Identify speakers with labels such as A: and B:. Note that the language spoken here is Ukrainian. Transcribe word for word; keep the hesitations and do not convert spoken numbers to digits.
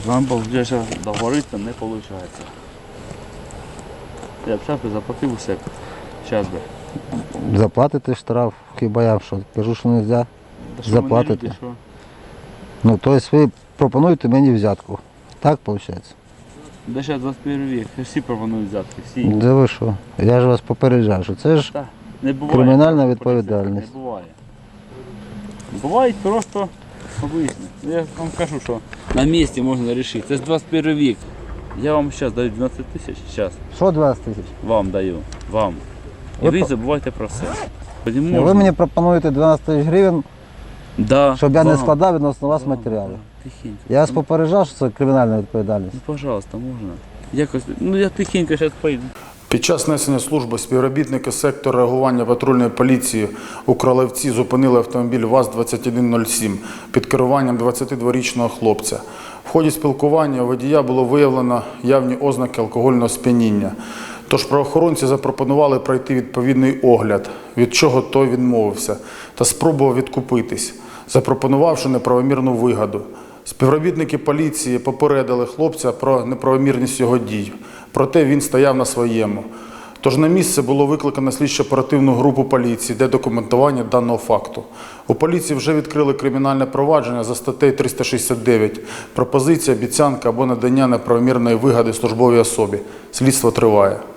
A: Нам вже договоритися не виходить. Я б зараз би заплатив усе. Зараз би.
B: Заплатите штраф, хіба я що? Кажу, що не можна.
A: Та
B: Заплатите.
A: Люди, що?
B: Ну, тобто ви пропонуєте мені взятку. Так виходить?
A: Де зараз двадцять перший вік, всі пропонують взятки, всі.
B: Де ви що? Я ж вас попереджаю, що це ж
A: Та, не буває.
B: кримінальна відповідальність.
A: Не буває. Бувають просто обичні. Я вам кажу, що на місці можна вирішити. Це ж двадцять перший вік. Я вам зараз даю дванадцять тисяч, зараз
B: Що двадцять тисяч?
A: вам даю, вам. І
B: Ви
A: ви
B: по-
A: забувайте про все. Тоді
B: Ви
A: можна.
B: мені пропонуєте дванадцять тисяч гривень,
A: Да,
B: щоб я не
A: вам.
B: складав відносно вас
A: Вам,
B: матеріалів.
A: вам. Тихенько.
B: Я вас попереджав, що це кримінальна відповідальність.
A: Ну, пожалуйста, можна. Якось, ну я тихенько зараз поїду.
C: Під час несення служби співробітники сектору реагування патрульної поліції у Кролевці зупинили автомобіль ВАЗ двадцять один нуль сім під керуванням двадцятидворічного хлопця. В ході спілкування у водія було виявлено явні ознаки алкогольного сп'яніння. Тож правоохоронці запропонували пройти відповідний огляд, від чого той відмовився, та спробував відкупитись, запропонувавши неправомірну вигоду. Співробітники поліції попередили хлопця про неправомірність його дій, проте він стояв на своєму. Тож на місце було викликано слідчо-оперативну групу поліції для документування даного факту. У поліції вже відкрили кримінальне провадження за статтею триста шістдесят дев'ять «Пропозиція, обіцянка або надання неправомірної вигоди службовій особі». Слідство триває.